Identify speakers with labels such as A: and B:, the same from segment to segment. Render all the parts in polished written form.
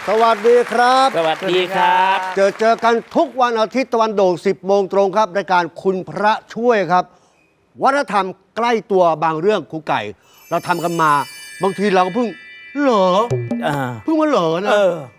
A: สวัสดีครับ
B: สวัสดีครับ
A: เจอกันทุกวันอาทิตย์ตะวันโด่ง 10 โมงตรงครับรายการคุณพระช่วยครับวัฒนธรรมใกล้ตัวบางเรื่องครูไก่ เราทำกันมาบางทีเราก็เพิ่งเหรอเพิ่งมาเหรอนะ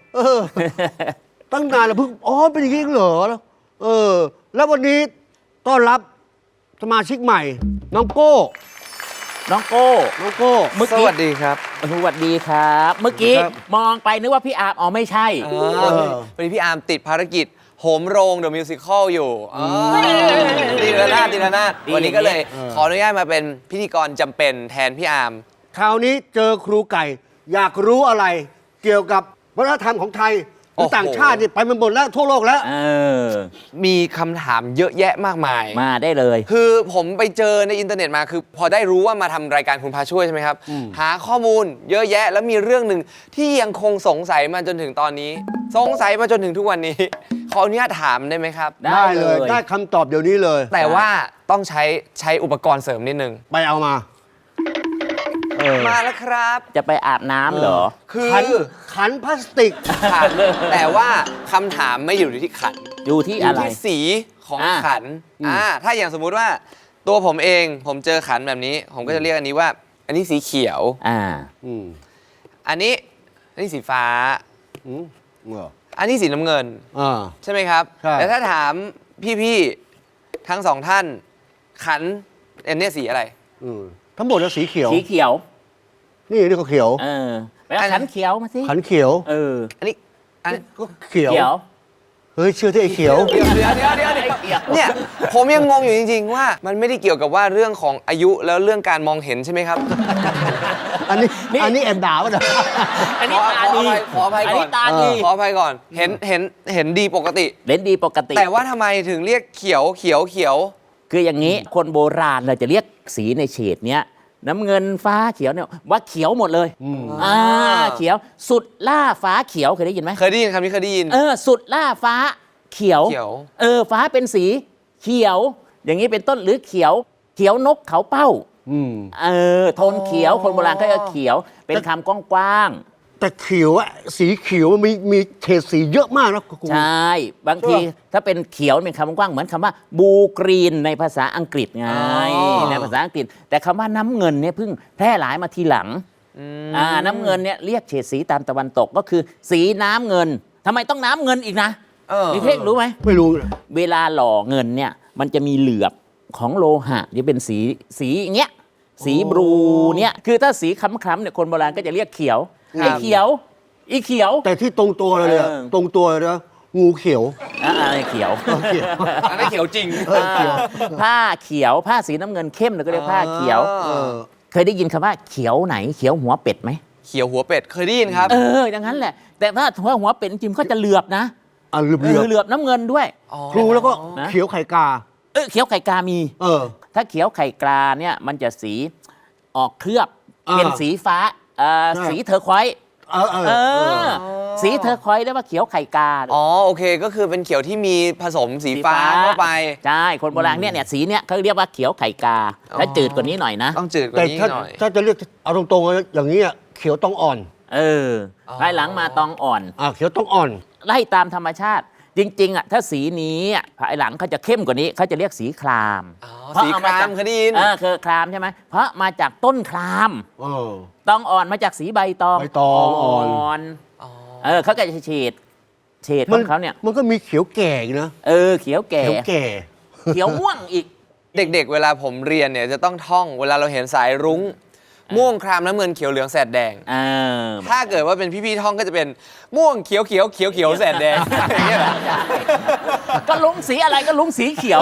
A: ตั้งนานแล้วเพิ่งอ๋อเป็นอย่างนี้เหรอแล้ววันนี้ต้อนรับสมาชิกใหม่ น้องโก้
B: น้องโก้
C: สวัสดีครับ
B: สวัสดีครับ เมื่อกี้
A: ครับ
B: มองไปนึกว่าพี่อาร์มอ๋อไม่ใช่
C: วันนี้พี่อาร์มติดภารกิจโหมโรงเดอะมิวสิคลอยู่ตีละนาดวันนี้ก็เลยขออนุญาตมาเป็นพิธีกรจำเป็นแทนพี่อาร์ม
A: คราวนี้เจอครูไก่ อยากรู้อะไร เกี่ยวกับวัฒนธรรมของไทยหรือต่างชาตินี่ไปมันหมดแล้วทั่วโลกแล้ว
C: มีคำถามเยอะแยะมากมาย
B: มาได้เลย
C: คือผมไปเจอในอินเทอร์เน็ตมาคือพอได้รู้ว่ามาทำรายการคุณพาช่วยใช่ไหมครับ หาข้อมูลเยอะแยะแล้วมีเรื่องหนึ่งที่ยังคงสงสัยมาจนถึงตอนนี้ สงสัยมาจนถึงทุกวันนี้ ขออนุญาตถามได้ไหมครับ
B: ได้เลย
A: ได้คำตอบเดี๋ยวนี้เลย
C: แต่ว่าต้องใช้อุปกรณ์เสริมนิดนึง
A: ไปเอามา
C: มาแล้วครับ
B: จะไปอาบน้ำเหรอ
C: คือ
A: ขันพลาสติก
C: ขันแต่ว่าคำถามไม่อยู่ที่ขัน
B: อยู่ที่
C: อ
B: อะ
C: ยู่
B: ไร
C: ที่สีของ
B: อ่า
C: ขันถ้าอย่างสมมุติว่าตัวผมเองผมเจอขันแบบนี้ ผมก็จะเรียกอันนี้ว่า อันนี้สีเขียว
A: อืม
C: อันนี้สีฟ้า
A: อืมเหรอ
C: อันนี้สีน้ำเงิน
A: อ่า
C: ใช่ไหมครับ
A: ใช่
C: แต่ถ้าถามพี่ๆทั้งสองท่าน ขันอันนี้สีอะไร
A: ทั้งหมดแล้วสีเขียว
B: สีเขียว
A: นี่ก็เขียว
B: ไปเอาขันเขียวมาสิ
A: ขันเขียว
C: อันนี้อัน
A: ก็เขียว
B: เขียว
A: เฮ้ยเชื่อที่ไอ้เขียว
C: เดี๋ยวเนี่ยผมยังงงอยู่จริงๆว่ามันไม่ได้เกี่ยวกับว่าเรื่องของอายุแล้วเรื่องการมองเห็นใช่ไหมครับ
A: อันนี้แอบด่าป่ะเนี่ย
B: อันนี้ตาดี
C: ขออภัยก่อน
B: นนี้ตาดี
C: ขออภัยก่อนเห็นดีปกติ
B: เล่นดีปกติ
C: แต่ว่าทำไมถึงเรียกเขียว
B: คืออย่างนี้คนโบราณเราจะเรียกสีในเฉดเนี้ยน้ำเงินฟ้าเขียวเนี่ยว่าเขียวหมดเลยเขียวสุดล่าฟ้าเขียวเคยได้ยินไหม
C: เคยได้ยินคำนี้เคยได้ยิน
B: สุดล่าฟ้าเขียว
C: เขียว
B: ฟ้าเป็นสีเขียว อย่างนี้เป็นต้นหรือเขียวนกเขาเป้าโทนเขียวคนโบราณก็จะเขียวเป็นคำกว้าง
A: แต่เขียวอะสีเขียวมันมีเฉดสีเยอะมากนะครู
B: ๆใช่บางทีถ้าเป็นเขียวเป็นคำกว้างเหมือนคำว่าบูกรีนในภาษาอังกฤษไงในภาษาอังกฤษ แต่คำว่าน้ำเงินเนี่ยเพิ่งแพร่หลายมาทีหลังน้ำเงินเนี่ยเรียกเฉดสีตามตะวันตกก็คือสีน้ำเงินทำไมต้องน้ำเงินอีกนะนิเทศรู้ไหม
A: ไม่รู้
B: เวลาหล่อเงินเนี่ยมันจะมีเหลือบของโลหะที่เป็นสีอย่างเงี้ยสีบลูเนี่ยคือถ้าสีคล้ำๆเนี่ยคนโบราณก็จะเรียกเขียวไอ้เขียวอีเขียว
A: แต่ที่ตรงตัวเลยอะตรงตัวเลยนะงูเขียว
B: อะไรเขียว
C: อันนั้นเขียวจริง
B: ผ้าเขียวผ้าสีน้ำเงินเข้มเราก็เรียกผ้าเขียวเคยได้ยินคำว่าเขียวไหนเขียวหัวเป็ดไหม
C: เขียวหัวเป็ดเคยได้ยินครับ
B: อย่างนั้นแหละ แต่ถ้าหัวเป็ดจริงๆก็จะเหลือบนะ
A: เหลือบ
B: เหลือบน้ำเงินด้วย
A: ครูแล้วก็เขียวไข่กา
B: เขียวไข่กามี
A: ถ้า
B: ถ้าเขียวไข่กาเนี่ยมันจะสีออกเคลือบเป็นสีฟ้าสีเทอร์ควอยซ์สีเทอร์ควอยซ์เรียกว่าเขียวไข่กา
C: โอเคก็คือเป็นเขียวที่มีผสมสีฟ้าเข้าไป
B: ใช่คนโบราณเนี่ยสีเนี่ยเขาเรียกว่าเขียวไข่กาและจืดกว่านี้หน่อยนะ
C: ต้องจืดกว่า
A: แต่
C: นี้หน่อย
A: ถ้าจะเรียกเอาตรงๆอย่างนี้อะเขียวต้องอ่อน
B: ภายหลังมาตองอ่อน
A: เขียวต้องอ่อน
B: ไล่ตามธรรมชาติ จริงๆถ้าสีนี้ภายหลังเขาจะเข้มกว่านี้เขาจะเรียกสีคราม
C: สีครามเคยได้ยิน
B: คือครามใช่ไหมเพราะมาจากต้นครามตองอ่อนมาจากสีใบตอง
A: ใบตองอ่อน
B: เขาก็จะเฉดของเขาเนี่ย
A: มันก็มีเขียวแก่อีกนะ
B: เขียวแก่
A: เขียวแก่
B: เขียวม่วงอีก
C: เด็กๆ เวลาผมเรียนเนี่ยจะต้องท่องเวลาเราเห็นสายรุ้งม่วงครามน้ำเงินเขียวเหลืองแสดแดงถ้าเกิดว่าเป็นพี่ๆท่องก็จะเป็นม่วงเขียวแสดแดงอย่างเงี้ยเหรอ
B: ก็ลุงสีอะไรก็ลุงสีเขียว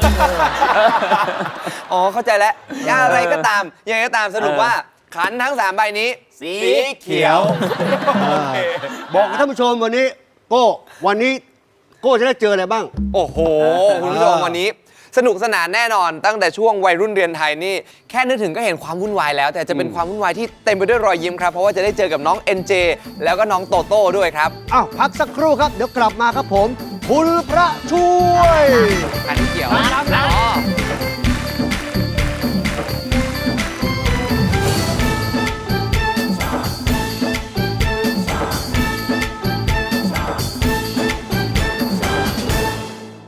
C: เข้าใจแล้วอะไรก็ตามยังไงก็ตามสรุปว่าขันทั้ง3ใบนี้สีเขียว
A: บอกกับท่านผู้ชมวันนี้วันนี้โก้จะได้เจออะไรบ้าง
C: โอ้โหคุณผู้ชมวันนี้สนุกสนานแน่นอนตั้งแต่ช่วงวัยรุ่นเรียนไทยนี่แค่นึกถึงก็เห็นความวุ่นวายแล้วแต่จะเป็นความวุ่นวายที่เต็มไปด้วยรอยยิ้มครับเพราะว่าจะได้เจอกับน้อง NJ แล้วก็น้องโตโต้ด้วยครับ
A: พักสักครู่ครับเดี๋ยวกลับมาครับผมคุณพระช่วย
C: อัน